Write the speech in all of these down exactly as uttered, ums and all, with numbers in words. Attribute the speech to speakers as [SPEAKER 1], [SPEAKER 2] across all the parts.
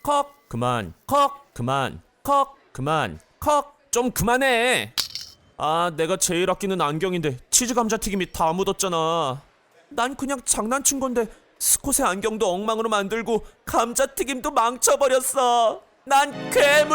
[SPEAKER 1] 컥 그만 컥 그만 컥 그만 컥 좀 그만해. 아, 내가 제일 아끼는 안경인데 치즈 감자튀김이 다 묻었잖아. 난 그냥 장난친 건데 스콧의 안경도 엉망으로 만들고 감자튀김도 망쳐버렸어. 난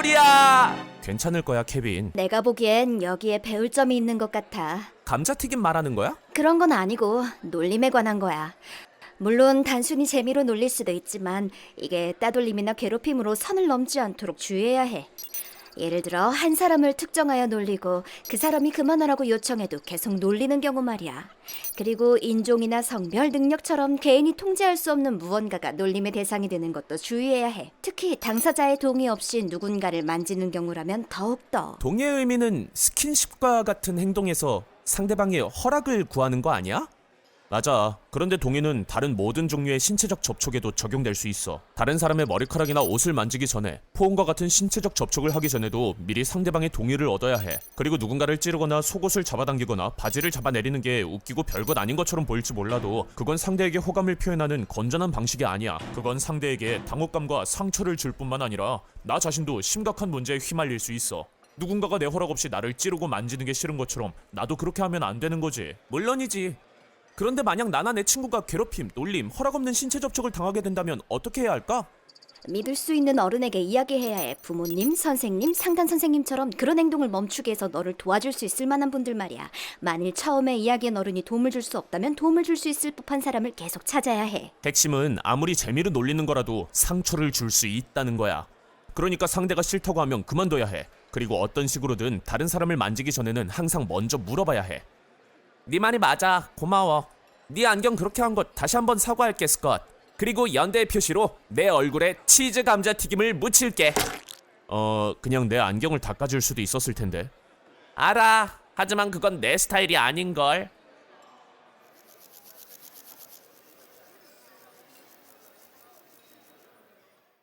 [SPEAKER 1] 괴물이야. 괜찮을 거야, 케빈.
[SPEAKER 2] 내가 보기엔 여기에 배울 점이 있는 것 같아.
[SPEAKER 1] 감자튀김 말하는 거야?
[SPEAKER 2] 그런 건 아니고 놀림에 관한 거야. 물론 단순히 재미로 놀릴 수도 있지만 이게 따돌림이나 괴롭힘으로 선을 넘지 않도록 주의해야 해. 예를 들어 한 사람을 특정하여 놀리고 그 사람이 그만하라고 요청해도 계속 놀리는 경우 말이야. 그리고 인종이나 성별, 능력처럼 개인이 통제할 수 없는 무언가가 놀림의 대상이 되는 것도 주의해야 해. 특히 당사자의 동의 없이 누군가를 만지는 경우라면 더욱더.
[SPEAKER 1] 동의의 의미는 스킨십과 같은 행동에서 상대방의 허락을 구하는 거 아니야? 맞아. 그런데 동의는 다른 모든 종류의 신체적 접촉에도 적용될 수 있어. 다른 사람의 머리카락이나 옷을 만지기 전에, 포옹과 같은 신체적 접촉을 하기 전에도 미리 상대방의 동의를 얻어야 해. 그리고 누군가를 찌르거나 속옷을 잡아당기거나 바지를 잡아내리는 게 웃기고 별것 아닌 것처럼 보일지 몰라도 그건 상대에게 호감을 표현하는 건전한 방식이 아니야. 그건 상대에게 당혹감과 상처를 줄 뿐만 아니라 나 자신도 심각한 문제에 휘말릴 수 있어. 누군가가 내 허락 없이 나를 찌르고 만지는 게 싫은 것처럼 나도 그렇게 하면 안 되는 거지. 물론이지. 그런데 만약 나나 내 친구가 괴롭힘, 놀림, 허락 없는 신체 접촉을 당하게 된다면 어떻게 해야 할까?
[SPEAKER 2] 믿을 수 있는 어른에게 이야기해야 해. 부모님, 선생님, 상담 선생님처럼 그런 행동을 멈추게 해서 너를 도와줄 수 있을 만한 분들 말이야. 만일 처음에 이야기한 어른이 도움을 줄 수 없다면 도움을 줄 수 있을 법한 사람을 계속 찾아야 해.
[SPEAKER 1] 핵심은 아무리 재미로 놀리는 거라도 상처를 줄 수 있다는 거야. 그러니까 상대가 싫다고 하면 그만둬야 해. 그리고 어떤 식으로든 다른 사람을 만지기 전에는 항상 먼저 물어봐야 해. 네 말이 맞아. 고마워. 네 안경 그렇게 한 것 다시 한번 사과할게, 스컷. 그리고 연대의 표시로 내 얼굴에 치즈 감자튀김을 묻힐게. 어... 그냥 내 안경을 닦아줄 수도 있었을 텐데. 알아. 하지만 그건 내 스타일이 아닌걸.